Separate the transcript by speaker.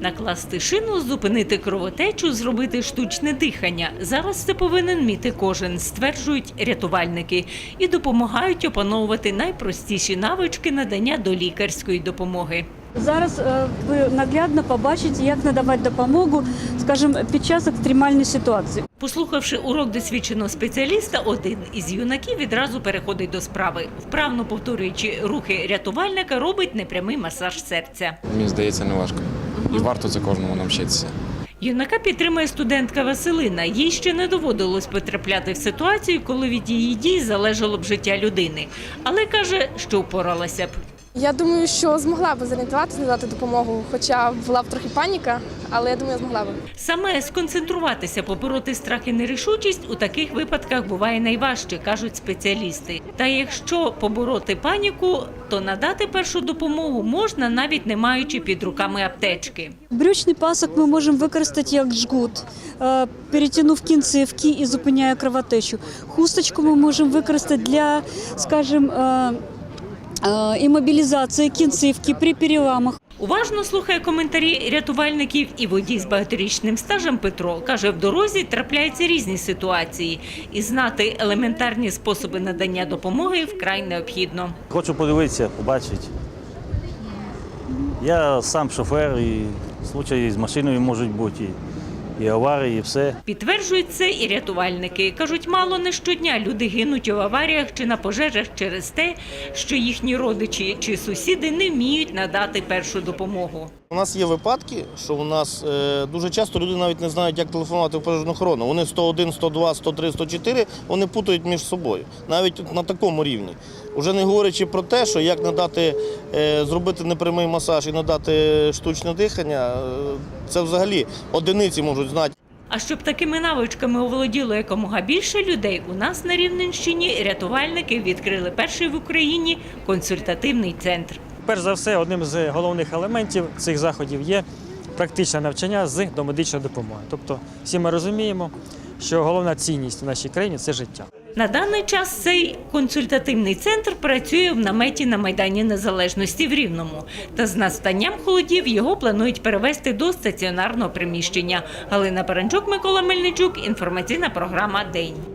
Speaker 1: Накласти шину, зупинити кровотечу, зробити штучне дихання. Зараз це повинен вміти кожен, стверджують рятувальники. І допомагають опановувати найпростіші навички надання долікарської допомоги.
Speaker 2: Зараз ви наглядно побачите, як надавати допомогу, скажімо, під час екстремальної ситуації.
Speaker 1: Послухавши урок досвідченого спеціаліста, один із юнаків відразу переходить до справи. Вправно повторюючи рухи рятувальника, робить непрямий масаж серця.
Speaker 3: Мені здається, не важко. І варто це кожному навчитися.
Speaker 1: Юнака підтримує студентка Василина. Їй ще не доводилось потрапляти в ситуацію, коли від її дій залежало б життя людини. Але каже, що впоралася б.
Speaker 4: Я думаю, що змогла б зорієнтуватися, надати допомогу, хоча була б трохи паніка, але я думаю, змогла б.
Speaker 1: Саме сконцентруватися, побороти страх і нерішучість у таких випадках буває найважче, кажуть спеціалісти. Та якщо побороти паніку, то надати першу допомогу можна, навіть не маючи під руками аптечки.
Speaker 2: Брючний пасок ми можемо використати як жгут, перетягнув кінцівки і зупиняє кровотечу. Хусточку ми можемо використати для, скажімо, імобілізації кінцівки при переламах.
Speaker 1: Уважно слухає коментарі рятувальників і водій з багаторічним стажем Петро. Каже, в дорозі трапляються різні ситуації. І знати елементарні способи надання допомоги вкрай необхідно.
Speaker 5: Хочу подивитися, побачити. Я сам шофер, і случаї з машиною можуть бути, і аварії, і все.
Speaker 1: Підтверджують це і рятувальники. Кажуть, мало не щодня люди гинуть у аваріях чи на пожежах через те, що їхні родичі чи сусіди не вміють надати першу допомогу.
Speaker 6: У нас є випадки, що у нас дуже часто люди навіть не знають, як телефонувати в пожежну охорону. Вони 101, 102, 103, 104, вони путають між собою. Навіть на такому рівні. Уже не говорячи про те, що як надати, зробити непрямий масаж і надати штучне дихання, це взагалі одиниці можуть знати.
Speaker 1: А щоб такими навичками оволоділо якомога більше людей, у нас на Рівненщині рятувальники відкрили перший в Україні консультативний центр.
Speaker 7: Перш за все, одним з головних елементів цих заходів є практичне навчання з домедичної допомоги. Тобто всі ми розуміємо, що головна цінність в нашій країні – це життя.
Speaker 1: На даний час цей консультативний центр працює в наметі на Майдані Незалежності в Рівному. Та з настанням холодів його планують перевести до стаціонарного приміщення. Галина Паранчук, Микола Мельничук. Інформаційна програма «День».